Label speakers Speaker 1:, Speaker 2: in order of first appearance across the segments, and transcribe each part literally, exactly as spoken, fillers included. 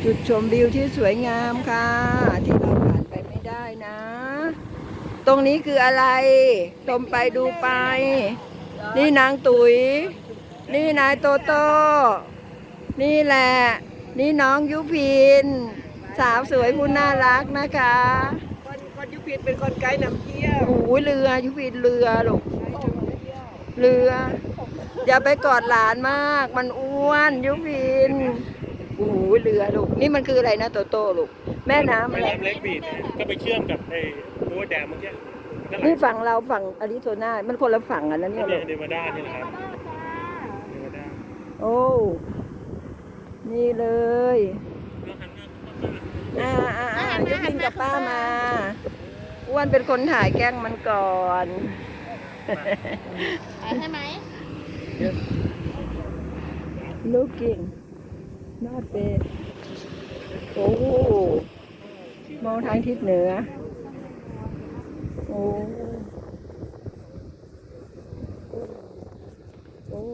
Speaker 1: จุดชมวิวที่สวยงามค่ะที่เราผ่านไปไม่ได้นะ ตรงนี้คืออะไรชมไปดูไป นี่นางตุ๋ยนี่นายโตโต้นี่แหละ นี่น้องยุพิน สาวสวยผู้น่ารักนะคะ
Speaker 2: คนคนยุพินเป็นคนไกด์นำเที่ยว
Speaker 1: โอ้ยเรือยุพินเรือลูกเรือ อย่าไปกอดหลานมาก มันอ้วนยุพินโอ้ยเรือลูกนี่มันคืออะไรนะโตโต้ลูกแม่น้ำอะไร
Speaker 3: แม่น้ำเล็กบีดเนี่ยก็ไปเชื่อมกับไอ้ตัวแดมเมื่อกี้ก็ไหล
Speaker 1: นี่ฝั่งเราฝั่งอาริโซนามันคนละฝั่งกันนะเนี่ย
Speaker 3: เนี่
Speaker 1: ลู
Speaker 3: ย
Speaker 1: ก
Speaker 3: เนวาดาเนี่ยนะครับเนวาดา
Speaker 1: โอ้นี่เลยอ่าอ่าอ่ายุพินกับป้ามาอ้วนเป็นคนถ่ายแกล้งมันก่อน
Speaker 4: ใช่ไหม
Speaker 1: looking not bad โอ้มองทางทิศเหนือโอ้โอ้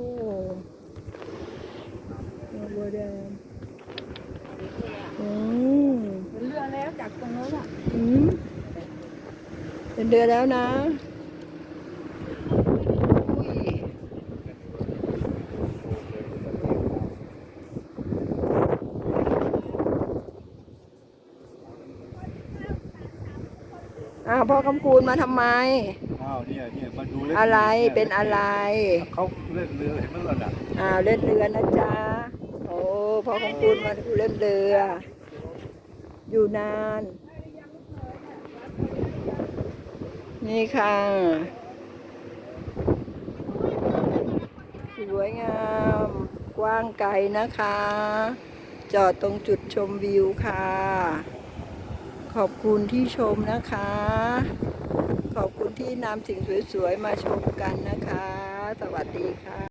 Speaker 1: บัวแดงอืม
Speaker 4: เป็นเรือแล้วจากตรงนู้นอ่ะ
Speaker 1: อืมเป็นเดือนแล้วนะอุ้ยอ้าวพ่อคำคูณมาทำไม
Speaker 5: อ้าวเนี่ยเนี่ยมาดูเล่น
Speaker 1: อะไร
Speaker 5: ย
Speaker 1: เป็นอะไร
Speaker 5: เขาเล่นเรือเห็นไหมล่ะน่ะ
Speaker 1: อ้าวเล่นเรือนะจ๊ะ โอ้พ่อคำคูณมาดูเล่นเรือ อยู่นาน นี่ค่ะ สวยงาม กว้างไกลนะคะ จอดตรงจุดชมวิวค่ะ ขอบคุณที่ชมนะคะ ขอบคุณที่นำสิ่งสวยๆมาชมกันนะคะ สวัสดีค่ะ